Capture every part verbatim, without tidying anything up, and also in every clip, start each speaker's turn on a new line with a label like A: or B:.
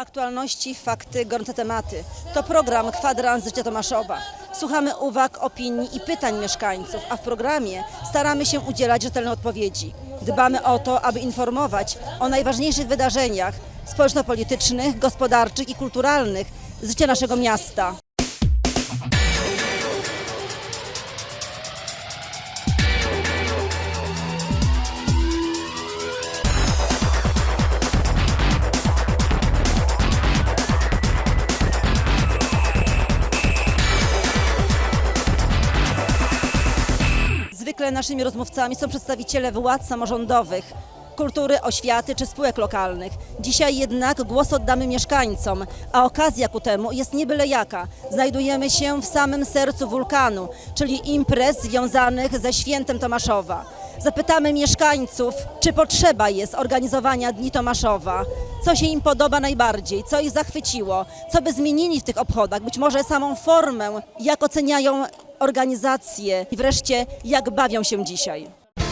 A: Aktualności, fakty, gorące tematy. To program Kwadrans Życia Tomaszowa. Słuchamy uwag, opinii i pytań mieszkańców, a w programie staramy się udzielać rzetelnych odpowiedzi. Dbamy o to, aby informować o najważniejszych wydarzeniach społeczno-politycznych, gospodarczych i kulturalnych z życia naszego miasta. Zwykle naszymi rozmówcami są przedstawiciele władz samorządowych, kultury, oświaty czy spółek lokalnych. Dzisiaj jednak głos oddamy mieszkańcom, a okazja ku temu jest nie byle jaka. Znajdujemy się w samym sercu wulkanu, czyli imprez związanych ze świętem Tomaszowa. Zapytamy mieszkańców, czy potrzeba jest organizowania Dni Tomaszowa, co się im podoba najbardziej, co ich zachwyciło, co by zmienili w tych obchodach, być może samą formę, jak oceniają organizacje i wreszcie jak bawią się dzisiaj.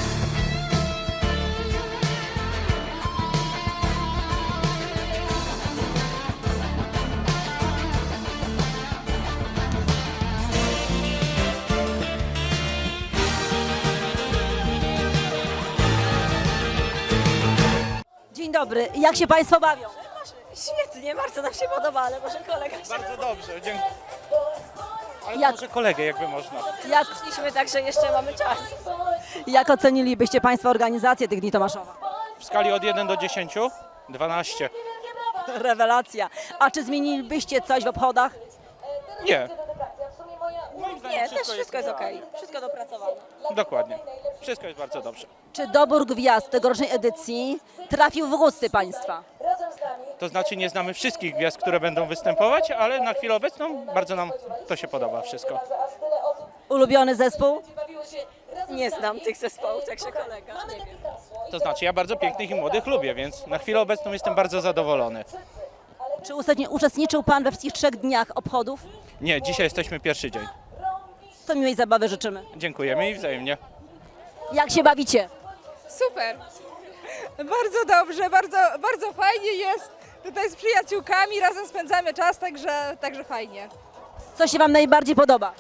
A: Dzień dobry, jak się Państwo bawią?
B: Świetnie, bardzo nam się podoba, ale może kolega się...
C: Bardzo dobrze, dziękuję. Ale
A: Jak-
C: może kolegę jakby można.
A: Jak,
B: Szliśmy tak, że jeszcze mamy czas.
A: jak ocenilibyście Państwo organizację tych Dni Tomaszowa?
C: W skali od jeden do dziesięciu? dwanaście.
A: Rewelacja. A czy zmienilibyście coś w obchodach?
C: Nie. Moim zdaniem
B: Nie, też wszystko jest
C: tak.
B: okej. Wszystko dopracowane.
C: Dokładnie. Wszystko jest bardzo dobrze.
A: Czy dobór gwiazd tegorocznej edycji trafił w gusty Państwa?
C: To znaczy nie znamy wszystkich gwiazd, które będą występować, ale na chwilę obecną bardzo nam to się podoba wszystko.
A: Ulubiony zespół?
B: Nie znam tych zespołów, także kolega. Nie wiem.
C: To znaczy ja bardzo pięknych i młodych lubię, więc na chwilę obecną jestem bardzo zadowolony.
A: Czy uczestni- uczestniczył Pan we wszystkich trzech dniach obchodów?
C: Nie, dzisiaj jesteśmy pierwszy dzień.
A: To miłej zabawy życzymy.
C: Dziękujemy i wzajemnie.
A: Jak się bawicie?
D: Super. Bardzo dobrze, bardzo, bardzo fajnie jest. Tutaj z przyjaciółkami razem spędzamy czas, także, także fajnie.
A: Co się Wam najbardziej podoba?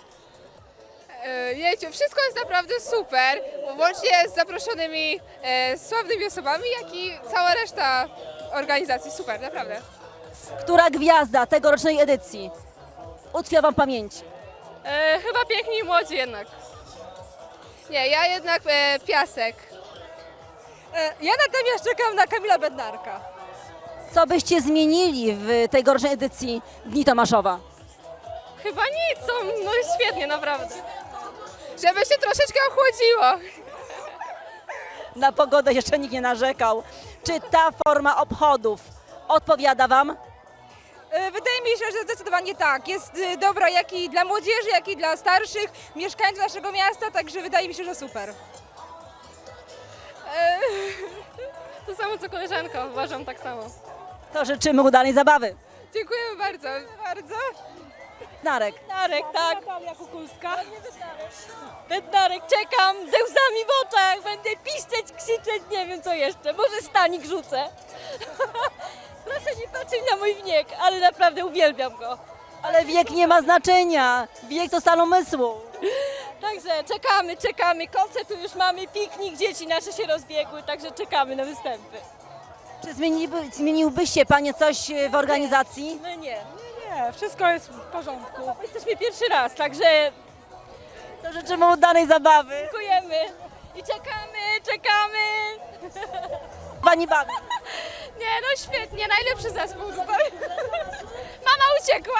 D: E, Jejciu, wszystko jest naprawdę super, łącznie z zaproszonymi e, sławnymi osobami, jak i cała reszta organizacji. Super, naprawdę.
A: Która gwiazda tegorocznej edycji utkwiła Wam w pamięci?
D: E, chyba piękni i młodzi jednak. Nie, ja jednak e, Piasek. E, ja natomiast czekam na Kamila Bednarka.
A: Co byście zmienili w tegorocznej edycji Dni Tomaszowa?
D: Chyba nic, są no świetnie, naprawdę. Żeby się troszeczkę ochłodziło.
A: Na pogodę jeszcze nikt nie narzekał. Czy ta forma obchodów odpowiada Wam?
D: E, Wydaje mi się, że zdecydowanie tak. Jest e, dobra jak i dla młodzieży, jak i dla starszych mieszkańców naszego miasta, także wydaje mi się, że super. E, To samo co koleżanka, uważam tak samo.
A: To życzymy udanej zabawy.
D: Dziękujemy bardzo. Bardzo.
A: Narek.
B: Bednarek, tak. Natalia Kukulska. Bednarek, czekam ze łzami w oczach. Będę piszczeć, krzyczeć, nie wiem co jeszcze. Może stanik rzucę. Proszę nie patrzeć na mój wiek, ale naprawdę uwielbiam go.
A: Ale wiek nie ma znaczenia. Wiek to stan umysłu.
B: Także czekamy, czekamy. Koncert tu już mamy, piknik, dzieci nasze się rozbiegły, także czekamy na występy.
A: Czy zmieniliby, zmieniłbyście Panie coś w organizacji?
B: No nie,
D: Nie, nie, wszystko jest w porządku.
B: jesteśmy pierwszy raz, także
A: To życzymy udanej zabawy.
B: dziękujemy i czekamy, czekamy.
A: Pani bawi.
D: Nie, no świetnie, najlepszy zespół tutaj. Mama uciekła.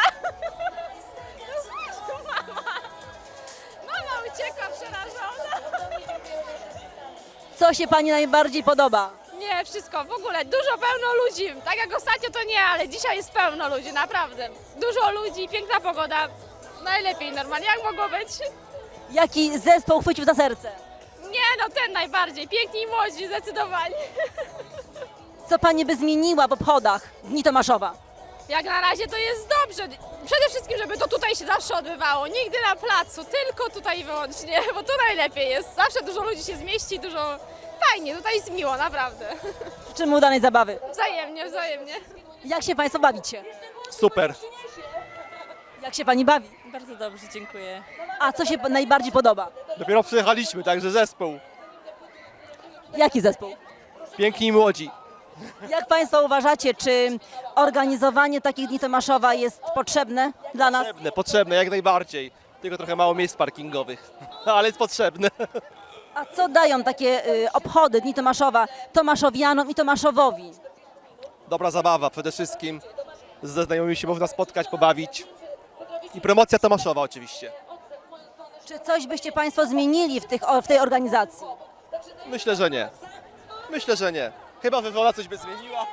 D: Mama. Mama uciekła przerażona.
A: Co się Pani najbardziej podoba?
D: Nie, wszystko, w ogóle dużo pełno ludzi. Tak jak ostatnio to nie, ale dzisiaj jest pełno ludzi, naprawdę. Dużo ludzi, piękna pogoda. Najlepiej normalnie, jak mogło być?
A: Jaki zespół chwycił za serce?
D: Nie, no ten najbardziej. Piękni i młodzi, zdecydowanie.
A: Co Pani by zmieniła w obchodach Dni Tomaszowa?
D: Jak na razie to jest dobrze. Przede wszystkim, żeby to tutaj się zawsze odbywało. Nigdy na placu, tylko tutaj wyłącznie, bo tu najlepiej jest. Zawsze dużo ludzi się zmieści, dużo... Fajnie, tutaj jest miło, naprawdę.
A: Życzymy udanej zabawy.
D: Wzajemnie, wzajemnie.
A: Jak się Państwo bawicie?
E: Super.
A: Jak się Pani bawi?
B: Bardzo dobrze, dziękuję.
A: A co się najbardziej podoba?
E: Dopiero przyjechaliśmy, także zespół.
A: Jaki zespół?
E: Piękni i młodzi.
A: Jak Państwo uważacie, czy organizowanie takich dni Tomaszowa jest potrzebne dla nas?
E: Potrzebne, potrzebne, jak najbardziej. Tylko trochę mało miejsc parkingowych, ale jest potrzebne.
A: A co dają takie y, obchody Dni Tomaszowa Tomaszowianom i Tomaszowowi?
E: Dobra zabawa przede wszystkim. Ze znajomymi się można spotkać, pobawić. I promocja Tomaszowa oczywiście.
A: Czy coś byście Państwo zmienili w, tych, o- w tej organizacji?
E: Myślę, że nie. Myślę, że nie. Chyba wywola coś by zmieniła.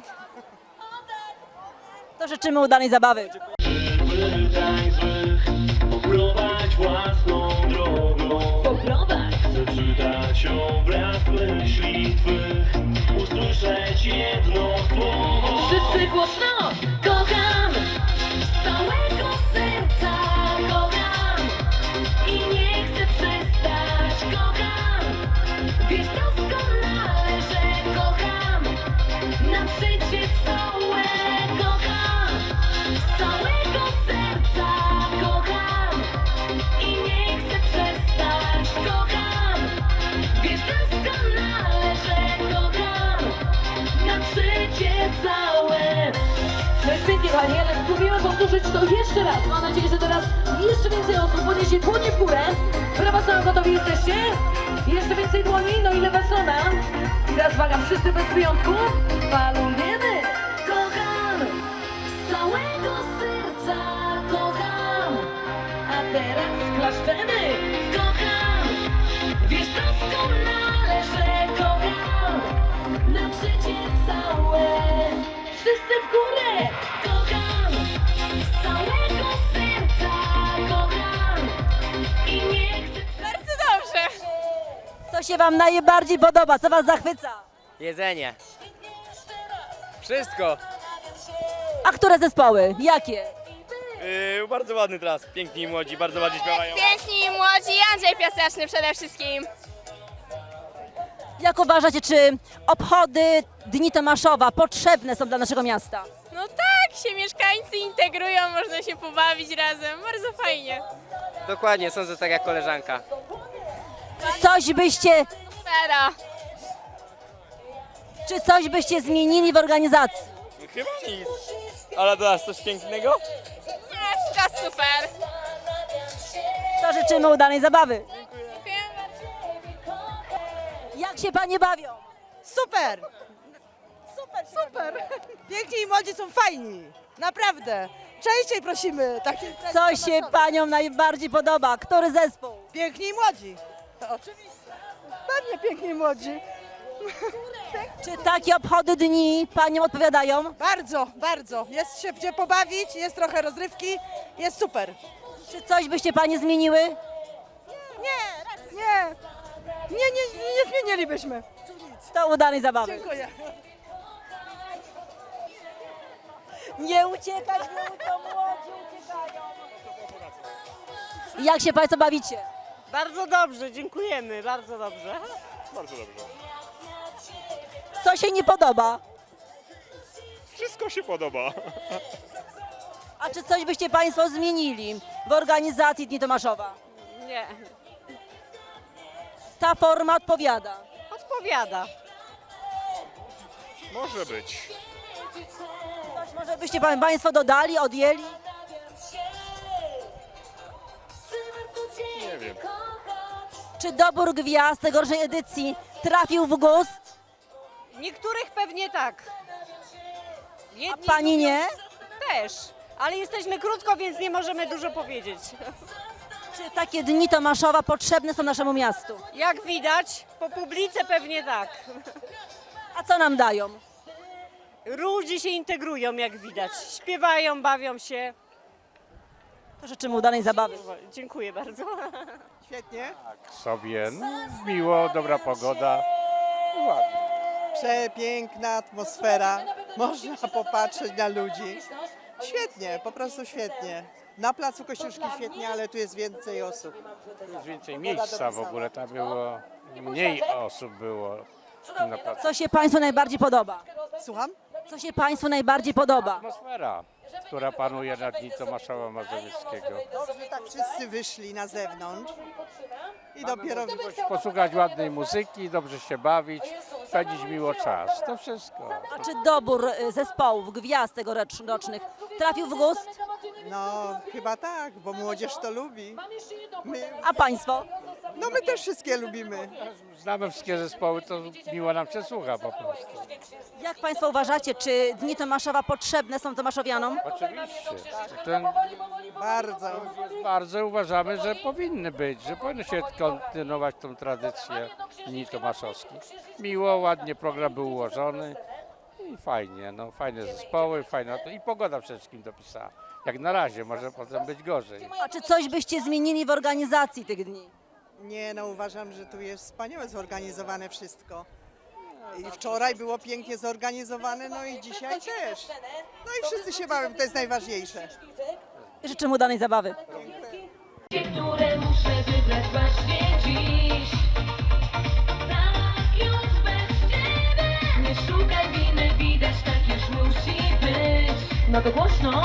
A: To życzymy udanej zabawy.
F: Pytań złych, poprowadź własną drogą.
B: Poprowadź!
F: Chcę czytać obraz myśli twych, usłyszeć jedno słowo.
B: Wszyscy głośno! Kocham! Z całego serca kocham! I nie chcę przestać, kocham! Wiesz doskonale, że kocham! Na życie całe kocham! Z całego serca kocham! I nie chcę przestać, kocham! Wiesz doskonale, że kocham! Na życie całe! No jest pięknie, kochani, ale spróbujemy powtórzyć to jeszcze raz. Mam nadzieję, że teraz jeszcze więcej osób podniesie dłonie w górę. Prawa strona, gotowi jesteście? Jeszcze więcej dłoni, no i lewa strona. I teraz uwaga, wszyscy bez wyjątku. Falujemy! Kocham! Z całego serca kocham! A teraz klaszczemy! Kocham! Wiesz doskonale, że kocham! Na życie całe! Wszyscy w górę! Kocham! Z całego serca kocham! I nie chcę...
D: Bardzo dobrze.
A: Co się Wam najbardziej podoba? Co Was zachwyca?
G: Jedzenie. Wszystko.
A: A które zespoły? Jakie?
G: Yy, bardzo ładny teraz. Piękni i młodzi, bardzo ładnie śpiewają.
D: Piękni i młodzi, Andrzej Piaseczny przede wszystkim.
A: Jak uważacie, czy obchody Dni Tomaszowa potrzebne są dla naszego miasta?
D: No tak, się mieszkańcy integrują, można się pobawić razem, bardzo fajnie.
G: Dokładnie, sądzę tak jak koleżanka.
A: Czy coś byście,
D: Fera.
A: czy coś byście zmienili w organizacji?
G: Chyba nic. Ale teraz coś pięknego?
D: Nie, wszystko super.
A: To życzymy udanej zabawy.
D: Dziękuję bardzo.
A: Jak się Panie bawią?
H: Super! Super, super! Piękni i młodzi są fajni, naprawdę. Częściej prosimy takich.
A: Co się Paniom najbardziej podoba? Który zespół?
H: Piękni i młodzi. To oczywiście. Pewnie piękni i młodzi.
A: Czy takie obchody dni Paniom odpowiadają?
H: Bardzo, bardzo. Jest się gdzie pobawić, jest trochę rozrywki, jest super.
A: Czy coś byście Panie zmieniły?
H: Nie, nie, nie, nie, nie zmienilibyśmy.
A: To udanej zabawy.
H: Dziękuję.
A: Nie uciekać, nie to młodzi uciekają. Jak się Państwo bawicie?
I: Bardzo dobrze, dziękujemy, bardzo dobrze.
A: Co się nie podoba?
C: Wszystko się podoba.
A: A czy coś byście Państwo zmienili w organizacji Dni Tomaszowa?
I: Nie,
A: Ta forma odpowiada.
I: odpowiada.
C: Może być.
A: Coś może byście pa- Państwo dodali, odjęli?
C: Nie wiem.
A: Czy dobór gwiazd tegorocznej edycji trafił w gust?
I: Niektórych pewnie tak.
A: A
I: Jedni
A: Pani nie?
I: też, ale jesteśmy krótko, więc nie możemy dużo powiedzieć.
A: Czy takie Dni Tomaszowa potrzebne są naszemu miastu?
I: Jak widać, po publice pewnie tak.
A: A co nam dają?
I: Ludzie się integrują, jak widać. Śpiewają, bawią się.
A: To życzymy udanej zabawy.
I: Dziękuję bardzo.
H: Świetnie.
C: Sobie no, miło, dobra pogoda. Ładnie.
J: Przepiękna atmosfera, można popatrzeć na ludzi. Świetnie, po prostu świetnie. Na placu Kościuszki świetnie, ale tu jest więcej osób.
C: Jest więcej miejsca w ogóle, tam było mniej osób było na placu.
A: Co się Państwu najbardziej podoba?
J: Słucham?
A: Co się Państwu najbardziej podoba?
K: Atmosfera, która panuje na Dni Tomaszowa Mazowieckiego.
J: Dobrze, tak wszyscy wyszli na zewnątrz i dopiero...
K: Posłuchać ładnej muzyki, dobrze się bawić, spędzić miło czas. To wszystko.
A: A czy dobór y, zespołów, gwiazd tegorocznych trafił w gust?
J: No, chyba tak, bo młodzież to lubi. My,
A: A Państwo?
J: no my też wszystkie lubimy.
K: Znamy wszystkie zespoły, to miło nam się słucha po prostu.
A: Jak Państwo uważacie, czy Dni Tomaszowa potrzebne są tomaszowianom?
K: Oczywiście. Ten
J: Bardzo.
K: bardzo uważamy, że powinny być, że powinno się kontynuować tą tradycję Dni Tomaszowskich. Miło, ładnie program był ułożony i fajnie, no fajne zespoły, fajna to i pogoda przede wszystkim dopisała. Jak na razie, może potem być gorzej.
A: A czy coś byście zmienili w organizacji tych dni?
J: Nie, no uważam, że tu jest wspaniałe zorganizowane wszystko. I wczoraj było pięknie zorganizowane, no i dzisiaj też. No i wszyscy się bawią, to jest najważniejsze.
A: Życzę mu udanej zabawy.
F: które muszę wybrać właśnie dziś. Tak już bez ciebie. Nie szukaj winy, widać tak już musi być. No to głośno.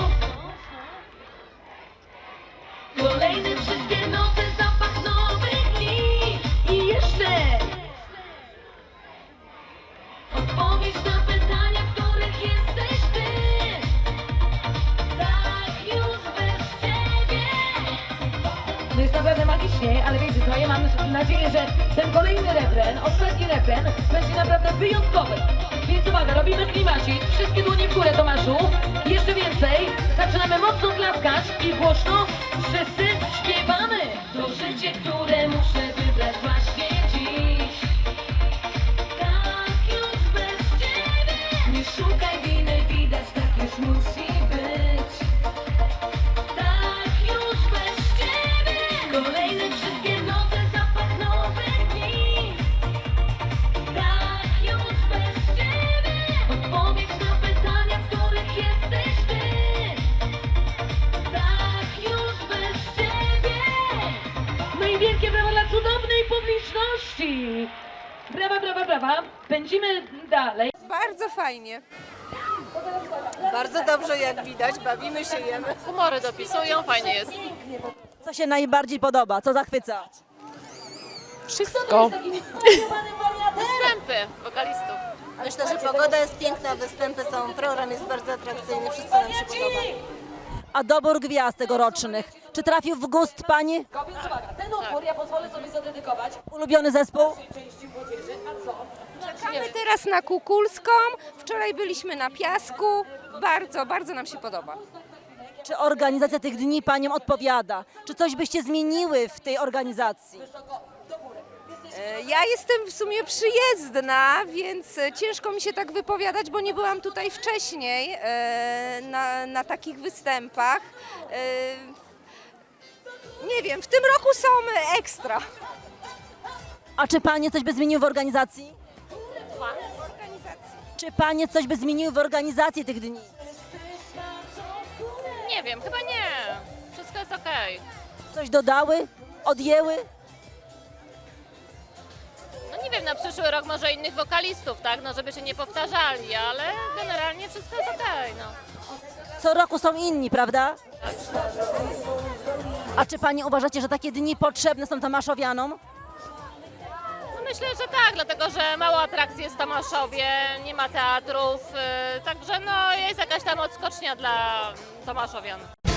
F: Kolejne wszystkie noce, zapach nowych dni. I jeszcze odpowiedź na pytania, w których jesteś ty. Tak już bez ciebie.
B: No jest naprawdę magicznie, ale wiecie co, ja mam nadzieję, że ten kolejny refren, ostatni refren będzie naprawdę wyjątkowy. Więc uwaga, robimy klimacik, wszystkie dłonie w górę, Tomaszu. Jeszcze więcej, zaczynamy mocno klaskać i głośno wszyscy śpiewamy.
F: To życie, które muszę wybrać właśnie dziś. Tak już bez ciebie. Nie szukaj winy, widać tak już musi być. Tak już bez ciebie. Kolejne wszystkie noce, zapach nowych dni. Tak już bez ciebie. Odpowiedź na pytania, w których jesteś ty. Tak już bez ciebie.
B: No i wielkie brawa dla cudownej publiczności. Brawa, brawa, brawa. Pędzimy dalej.
D: Bardzo fajnie.
H: Bardzo dobrze, jak widać, bawimy się, jemy.
B: Humory dopisują, fajnie jest.
A: Co się najbardziej podoba? Co zachwyca?
B: Wszystko.
I: Występy wokalistów.
H: Myślę, że pogoda jest piękna, występy są, program jest bardzo atrakcyjny, wszystko nam się podoba.
A: A dobór gwiazd tegorocznych, czy trafił w gust Pani?
B: Uwaga, ten utwór ja pozwolę sobie zadedykować.
A: Ulubiony zespół?
B: Części młodzieży, a co?
D: Czekamy teraz na Kukulską. Wczoraj byliśmy na Piasku. Bardzo, bardzo nam się podoba.
A: Czy organizacja tych dni Paniom odpowiada? Czy coś byście zmieniły w tej organizacji?
D: E, Ja jestem w sumie przyjezdna, więc e, ciężko mi się tak wypowiadać, bo nie byłam tutaj wcześniej e, na, na takich występach. E, Nie wiem, w tym roku są ekstra.
A: A czy Panie coś by zmieniły w organizacji? Czy Panie coś by zmieniły w organizacji tych dni?
I: Nie wiem, chyba nie. Wszystko jest okej.
A: Coś dodały? Odjęły?
I: No nie wiem, na przyszły rok może innych wokalistów, tak? No żeby się nie powtarzali, ale generalnie wszystko jest okej, no.
A: Co roku są inni, prawda? A czy Panie uważacie, że takie dni potrzebne są tomaszowianom?
I: No myślę, że tak, dlatego że mało atrakcji jest w Tomaszowie, nie ma teatrów, yy, także no jest jakaś tam odskocznia dla tomaszowian.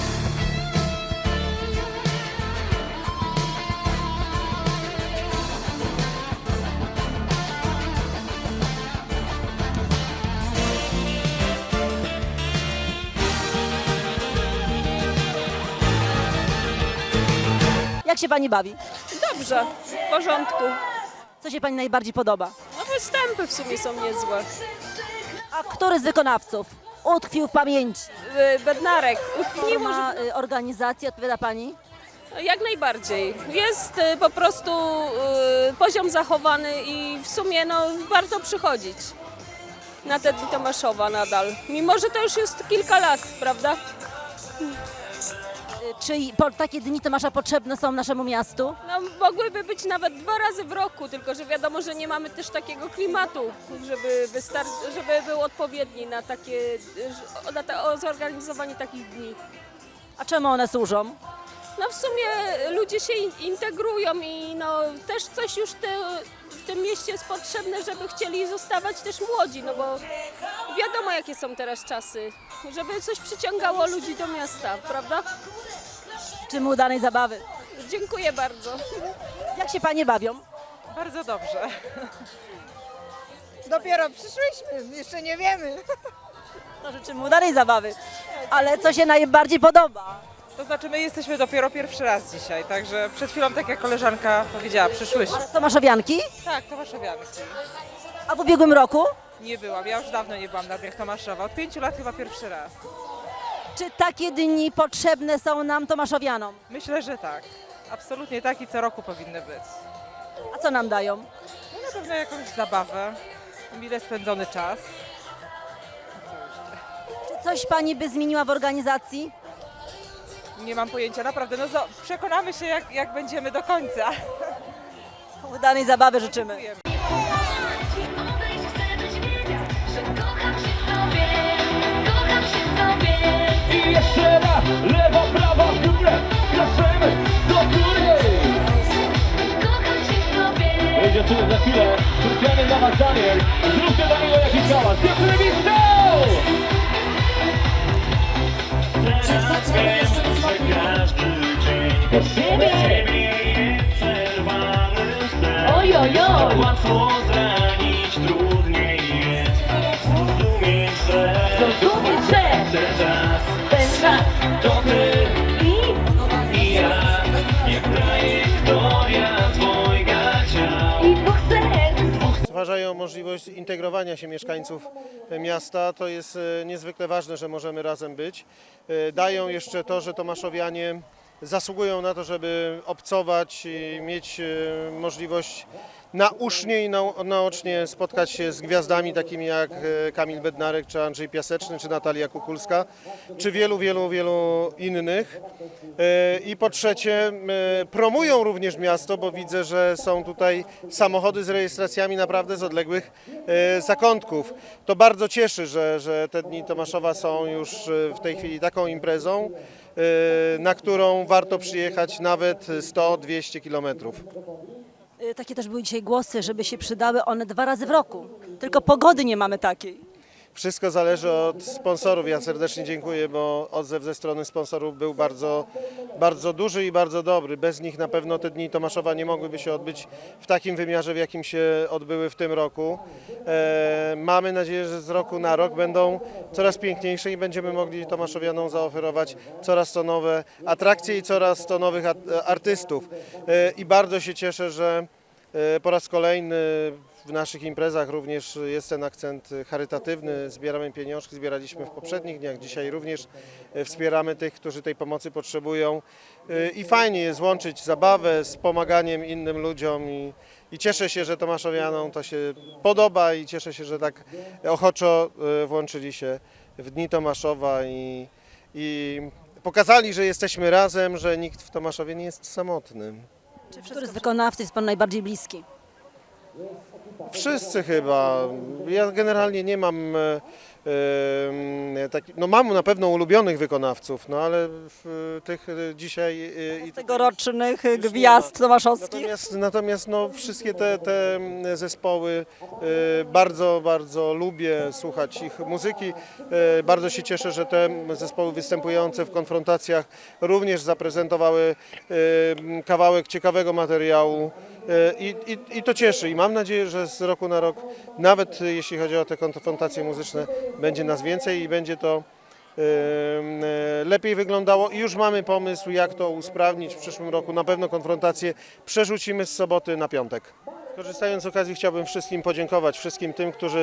A: Jak się Pani bawi?
B: Dobrze, w porządku.
A: Co się Pani najbardziej podoba?
B: No występy w sumie są niezłe.
A: A który z wykonawców utkwił w pamięci?
B: Bednarek,
A: Forma y, organizacji odpowiada Pani?
B: jak najbardziej. Jest y, po prostu y, poziom zachowany i w sumie no, warto przychodzić na te Dni Tomaszowa nadal. Mimo, że to już jest kilka lat, prawda?
A: Czy po, takie dni Tomasza potrzebne są naszemu miastu?
B: No, mogłyby być nawet dwa razy w roku, tylko że wiadomo, że nie mamy też takiego klimatu, żeby, wystar- żeby był odpowiedni na takie, na ta, o zorganizowanie takich dni.
A: A czemu one służą?
B: No w sumie ludzie się in- integrują i no też coś już te, w tym mieście jest potrzebne, żeby chcieli zostawać też młodzi, no bo wiadomo jakie są teraz czasy, żeby coś przyciągało ludzi do miasta, prawda?
A: Życzymy udanej zabawy.
B: Dziękuję bardzo.
A: Jak się panie bawią?
H: Bardzo dobrze. Dopiero przyszłyśmy, jeszcze nie wiemy.
A: No, życzymy udanej zabawy. Ale co się najbardziej podoba?
H: To znaczy my jesteśmy dopiero pierwszy raz dzisiaj, także przed chwilą, tak jak koleżanka powiedziała, przyszłyśmy.
A: Tomaszowianki?
H: Tak, Tomaszowianki.
A: A w ubiegłym roku?
H: Nie byłam, ja już dawno nie byłam na Dniach Tomaszowa, od pięciu lat chyba pierwszy raz.
A: Czy takie dni potrzebne są nam Tomaszowianom?
H: Myślę, że tak. Absolutnie tak i co roku powinny być.
A: A co nam dają?
H: No na pewno jakąś zabawę, mile spędzony czas.
A: Czy coś pani by zmieniła w organizacji?
H: Nie mam pojęcia, naprawdę, no zo- przekonamy się jak, jak będziemy do końca.
A: Udanej zabawy życzymy.
F: Odejść chcę, byś wiedział, że kocham się w tobie, kocham się w tobie.
L: I jeszcze raz, lewa, prawa, w górę, kraszymy do góry.
F: Kocham się w tobie.
L: Będzie tu za chwilę, specjalnie dla was Daniel. Zróbcie dla niego jakiś hałas. Dziewczyny widzą! Teraz wiem, że każdy dzień bez ciebie jest przerwany sen.
F: Oj, oj, oj.
L: Łatwo zranić, trudniej jest zrozumieć, że
F: Zrozumieć, że
L: ten czas
F: ten czas
L: to ty
F: i,
L: i ja, jak trajektoria dwojga ciał.
F: i dwóch serc.
M: Stwarzają możliwość integrowania się mieszkańców miasta. To jest e, niezwykle ważne, że możemy razem być. E, Dają jeszcze to, że Tomaszowianie zasługują na to, żeby obcować i mieć e, możliwość nausznie i nau- naocznie spotkać się z gwiazdami takimi jak e, Kamil Bednarek, czy Andrzej Piaseczny, czy Natalia Kukulska, czy wielu, wielu, wielu innych. E, I po trzecie, e, promują również miasto, bo widzę, że są tutaj samochody z rejestracjami naprawdę z odległych e, zakątków. To bardzo cieszy, że, że te Dni Tomaszowa są już e, w tej chwili taką imprezą, e, na którą warto przyjechać nawet sto dwieście kilometrów.
A: Y, Takie też były dzisiaj głosy, żeby się przydały one dwa razy w roku. Tylko pogody nie mamy takiej.
M: Wszystko zależy od sponsorów. Ja serdecznie dziękuję, bo odzew ze strony sponsorów był bardzo, bardzo duży i bardzo dobry. Bez nich na pewno te Dni Tomaszowa nie mogłyby się odbyć w takim wymiarze, w jakim się odbyły w tym roku. E, mamy nadzieję, że z roku na rok będą coraz piękniejsze i będziemy mogli Tomaszowianom zaoferować coraz to nowe atrakcje i coraz to nowych a- artystów. E, I bardzo się cieszę, że e, po raz kolejny w naszych imprezach również jest ten akcent charytatywny. Zbieramy pieniążki, zbieraliśmy w poprzednich dniach. Dzisiaj również e, wspieramy tych, którzy tej pomocy potrzebują. E, I fajnie jest łączyć zabawę z pomaganiem innym ludziom. I, i cieszę się, że Tomaszowianom to się podoba i cieszę się, że tak ochoczo e, włączyli się w Dni Tomaszowa i, i pokazali, że jesteśmy razem, że nikt w Tomaszowie nie jest samotny.
A: Który z wykonawców jest pan najbardziej bliski?
M: Wszyscy chyba. Ja generalnie nie mam, e, e, taki, no mam na pewno ulubionych wykonawców, no ale w, tych e, dzisiaj e, i
A: Tegorocznych gwiazd tomaszowskich.
M: Natomiast, natomiast no, wszystkie te, te zespoły e, bardzo, bardzo lubię słuchać ich muzyki. E, bardzo się cieszę, że te zespoły występujące w konfrontacjach również zaprezentowały e, kawałek ciekawego materiału. E, I, i, I to cieszy i mam nadzieję, że z roku na rok, nawet jeśli chodzi o te konfrontacje muzyczne, będzie nas więcej i będzie to e, e, lepiej wyglądało. I już mamy pomysł, jak to usprawnić w przyszłym roku. Na pewno konfrontacje przerzucimy z soboty na piątek. Korzystając z okazji, chciałbym wszystkim podziękować, wszystkim tym, którzy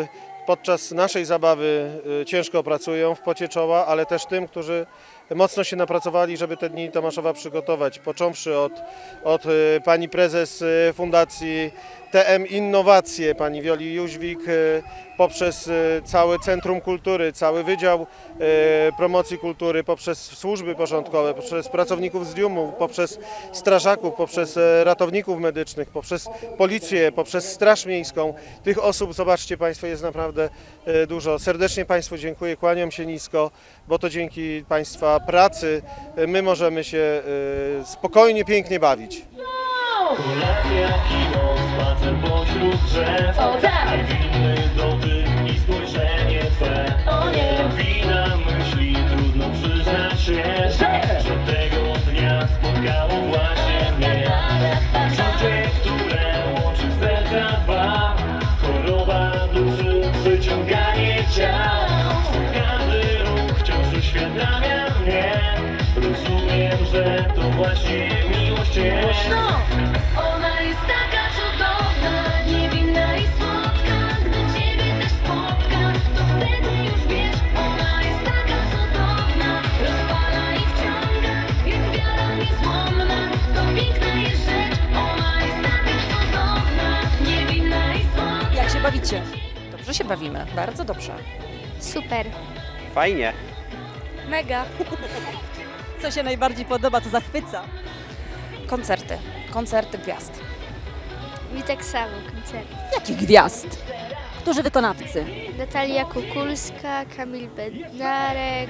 M: podczas naszej zabawy y, ciężko pracują w pocie czoła, ale też tym, którzy mocno się napracowali, żeby te Dni Tomaszowa przygotować. Począwszy od, od y, pani prezes y, Fundacji T M Innowacje, pani Wioli Jóźwik, y, poprzez y, całe Centrum Kultury, cały Wydział y, Promocji Kultury, poprzez służby porządkowe, poprzez pracowników z diumu, poprzez strażaków, poprzez y, ratowników medycznych, poprzez policję, poprzez Straż Miejską. Tych osób, zobaczcie Państwo, jest naprawdę y, dużo. Serdecznie Państwu dziękuję, kłaniam się nisko, bo to dzięki Państwa pracy y, my możemy się y, spokojnie, pięknie bawić.
L: Kolacja, kino, spacer pośród drzew.
F: O tak!
L: Niewinny dotyk i spojrzenie Twe.
F: O nie!
L: Wina myśli, trudno przyznać się, że tego dnia spotkało właśnie mnie. Uczucie, które łączy serca dwa. Choroba duszy, przyciąganie ciał. Każdy ruch wciąż uświadamia mnie. Rozumiem, że to właśnie miłość jest.
F: Ona jest taka cudowna, niewinna i słodka. Gdy Ciebie też spotka, to wtedy już wiesz. Ona jest taka cudowna, rozpala i wciąga. Jak wiara niezłomna, to piękna jest rzecz. Ona jest taka cudowna, niewinna i słodka.
A: Jak się bawicie?
N: Dobrze się bawimy, bardzo dobrze.
O: Super.
G: Fajnie.
O: Mega.
A: Co się najbardziej podoba, co zachwyca?
N: Koncerty, koncerty gwiazd.
O: Mi tak samo koncert.
A: Jakich gwiazd? Którzy wykonawcy?
O: Natalia Kukulska, Kamil Bednarek.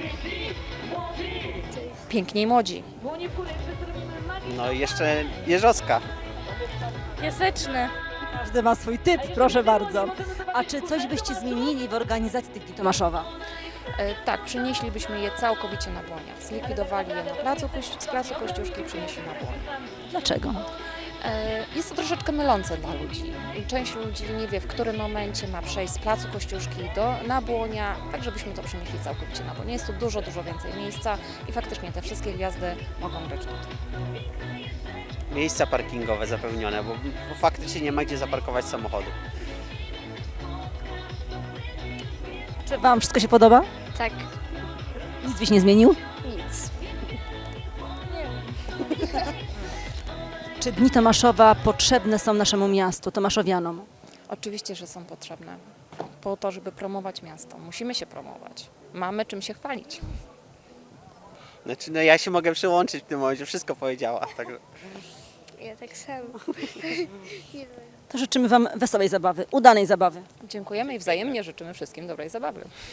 N: Piękni i młodzi.
G: No i jeszcze Jeżowska.
O: Piaseczne.
A: Każdy ma swój typ, proszę bardzo. A czy coś byście zmienili w organizacji tych Dni Tomaszowa?
N: E, tak, przenieślibyśmy je całkowicie na Błonia. Zlikwidowali je na placu, Kości- z placu Kościuszki i przenieśli na Błonia.
A: Dlaczego?
N: E, jest to troszeczkę mylące dla ludzi. Część ludzi nie wie, w którym momencie ma przejść z placu Kościuszki do, na Błonia, tak żebyśmy to przenieśli całkowicie na Błonia. Jest tu dużo, dużo więcej miejsca i faktycznie te wszystkie gwiazdy mogą być tutaj.
G: Miejsca parkingowe zapełnione, bo, bo faktycznie nie ma gdzie zaparkować samochodu.
A: Czy Wam wszystko się podoba?
O: Tak.
A: Nic byś nie zmienił?
O: Nic.
A: Czy Dni Tomaszowa potrzebne są naszemu miastu, tomaszowianom?
N: Oczywiście, że są potrzebne po to, żeby promować miasto. Musimy się promować. Mamy czym się chwalić.
G: Znaczy, no ja się mogę przyłączyć w tym momencie, wszystko powiedziała. Także...
O: Ja tak samo. Nie wiem.
A: To życzymy Wam wesołej zabawy, udanej zabawy.
N: Dziękujemy i wzajemnie życzymy wszystkim dobrej zabawy.